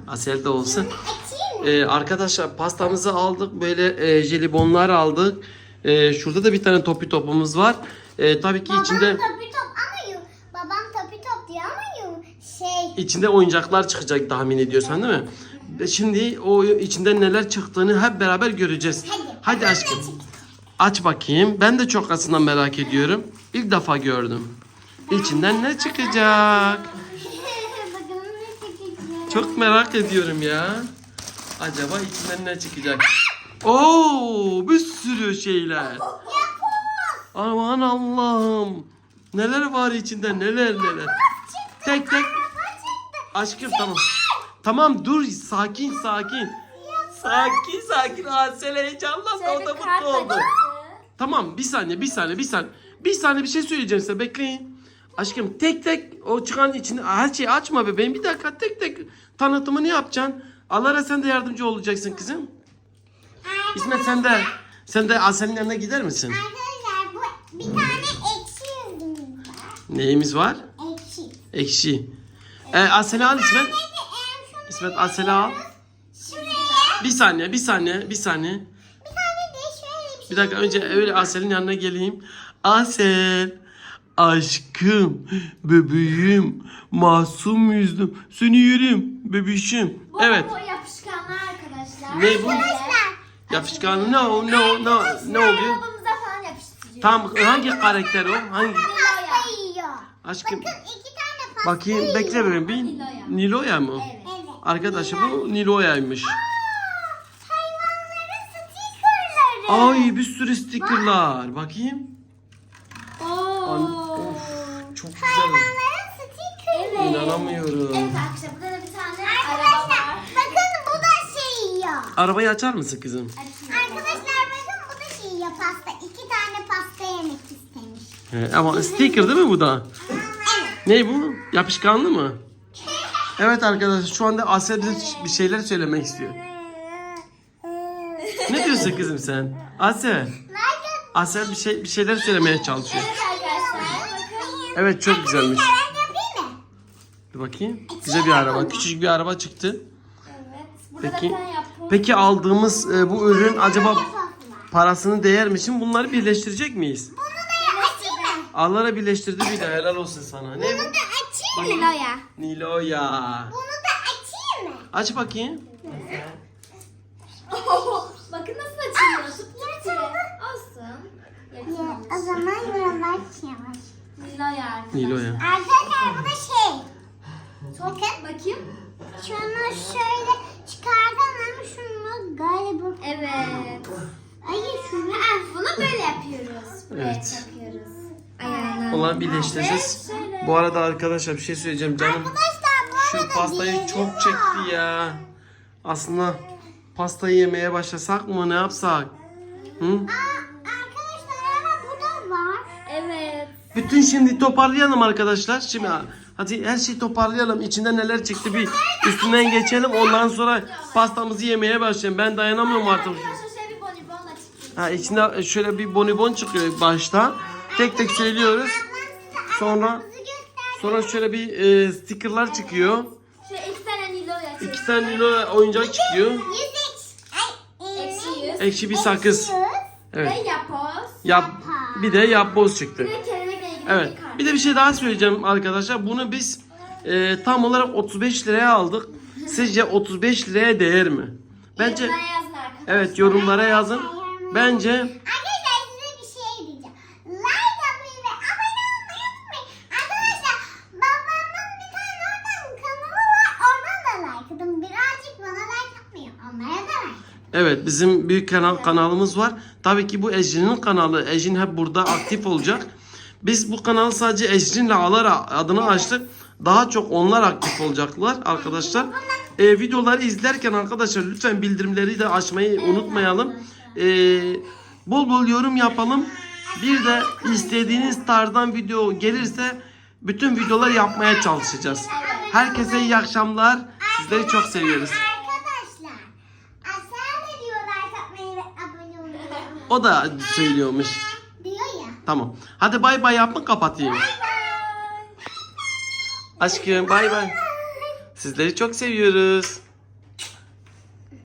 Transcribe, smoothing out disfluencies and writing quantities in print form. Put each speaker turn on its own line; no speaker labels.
Asel de olsun. Arkadaşlar pastamızı aldık. Böyle jelibonlar aldık. Şurada da bir tane topi topumuz var. Tabii ki içinde...
Babam topi top diyor ama
İçinde oyuncaklar çıkacak tahmin ediyorsan değil mi? Şimdi o içinden neler çıktığını hep beraber göreceğiz. Hadi aşkım. Aç bakayım. Ben de çok aslında merak ediyorum. İlk defa gördüm. İçinden ne çıkacak? Çok merak ediyorum ya. Acaba içinden ne çıkacak? Oo, bir sürü şeyler. Aman Allah'ım. Neler var içinde? Neler. Tek. Aşkım tamam. Tamam dur sakin. Sakin. Asel heyecanlandı, o da mutlu oldu. Tamam bir saniye. Bir saniye bir şey söyleyeceğim size, bekleyin. Aşkım tek o çıkan içinde her şeyi açma bebeğim. Bir dakika tek tanıtımını yapacaksın. Alara sen de yardımcı olacaksın kızım. İsmet sen de Asel'in yanına gider misin?
Arkadaşlar bu bir tane ekşi yüzümüz var.
Neyimiz var? Ekşi. Asel'i al İsmet. İsmet Asel'i al.
Şuraya.
Bir saniye.
Bir tane de şöyle
Bir dakika önce öyle Asel'in yanına geleyim. Asel. Aşkım, bebeğim, masum yüzüm, seni yerim, bebişim. Evet.
Bu yapışkanlar arkadaşlar.
Ne bu?
Arkadaşlar.
Yapışkanı ne oluyor?
Arabamıza falan yapıştırıyor.
Tam hangi karakter o? Hangi?
Pasta yiyor.
Aşkım.
Bakın 2 tane pasta
Bakayım
yiyor.
bekle bebeğim. Bir Niloya mı?
Evet.
Arkadaşlar bu Niloya'ymış.
Hayvanların stikerleri.
Ay bir sürü stickerlar. Bakayım. Of çok güzel.
Hayvanların stikerleri.
İnanamıyorum.
Evet arkadaşlar burada da bir tane araba
Arkadaşlar
var.
bakın bu da şey yiyor.
Arabayı açar mısın kızım?
Arkadaşlar bakın bu da şey yiyor pasta. 2 tane pasta yemek istemiş.
Ama sticker değil mi bu da?
Evet.
Ne bu? Yapışkanlı mı? Evet arkadaşlar şu anda Asel bize bir şeyler söylemek istiyor. Ne diyorsun kızım sen? Asel. Asel bir şeyler söylemeye çalışıyor.
Evet arkadaşlar bakın.
Evet çok güzelmiş.
Ben yapayım mı?
Bir bakayım. Güzel bir araba. Küçücük bir araba çıktı.
Evet. Burada
Peki.
da ben yaptım.
Peki aldığımız bu ürün acaba
Yapasın var.
parasını değer mi? Şimdi bunları birleştirecek miyiz?
Bunu da açayım mı?
Allah'a birleştirdi bir de helal olsun sana. Ne
Bunu
bu?
da açayım mı?
Niloya.
Niloya.
Bunu da açayım mı?
Aç bakayım.
Bakın nasıl açılıyor. Tuttu. Olsun. Yakın.
O zaman yollar yavaş.
Niloya arkadaşlar.
Niloya.
Arkadaşlar bu da şey.
Bakın. Bakayım.
Şunu şöyle çıkardım ama şunu galiba.
Evet.
Ay şunu.
Bunu böyle yapıyoruz. Buraya
Evet.
takıyoruz. Ayağına.
Olan birleştireceğiz. Bu arada arkadaşlar bir şey söyleyeceğim canım.
Arkadaşlar bu
Şu
arada
pastayı
diğeri
çok
var.
çekti ya. Aslında pastayı yemeye başlasak mı, ne yapsak? Hı?
Arkadaşlar ama bu da var.
Evet.
Bütün şimdi toparlayalım arkadaşlar. Şimdi hadi her şeyi toparlayalım. İçinde neler çıktı bir üstünden geçelim. Ondan sonra pastamızı yemeye başlayalım. Ben dayanamıyorum artık.
Arkadaşlar şöyle bir bonibonla çıktı.
Ha, içinde şöyle bir bonibon çıkıyor başta. Tek söylüyoruz. Sonra şöyle bir stickerlar çıkıyor.
Şöyle 2 tane Niloya çıktı.
2 tane Nilo oyuncak çıkıyor.
Eksi 100.
Ekşi bir sakız. Evet.
Ve yapoz.
Bir de yapboz çıktı.
Bir de kelebekle ilgili
Evet.
bir kart.
Bir de bir şey daha söyleyeceğim arkadaşlar. Bunu biz tam olarak 35 liraya aldık. Sizce 35 liraya değer mi? Bence
Yorumlara yazın arkadaşlar.
evet, yorumlara yazın. Bence
Arkadaşlar size bir şey diyeceğim. Like atmayı ve abone olmayı unutmayın. Arkadaşlar babamın bir tane oradan kanalı var. Oradan da like atın. Birazcık bana like atmıyor. Onlara da like.
evet, bizim büyük kanalımız var. Tabii ki bu Ecrin'in kanalı. Ecrin hep burada aktif olacak. Biz bu kanalı sadece Ecrin'le Alara adını açtık. Daha çok onlar aktif olacaklar arkadaşlar. Videoları izlerken arkadaşlar lütfen bildirimleri de açmayı unutmayalım. Bol bol yorum yapalım. Bir de istediğiniz tarzdan video gelirse bütün videolar yapmaya çalışacağız. Herkese iyi akşamlar. Sizleri çok seviyoruz.
Arkadaşlar aşağıda diyor like atmayı ve abone olmayı unutmayın.
O da söylüyormuş.
Diyor ya.
Tamam. Hadi bay bay yapın, kapatayım. Aşkım bay bay. Sizleri çok seviyoruz.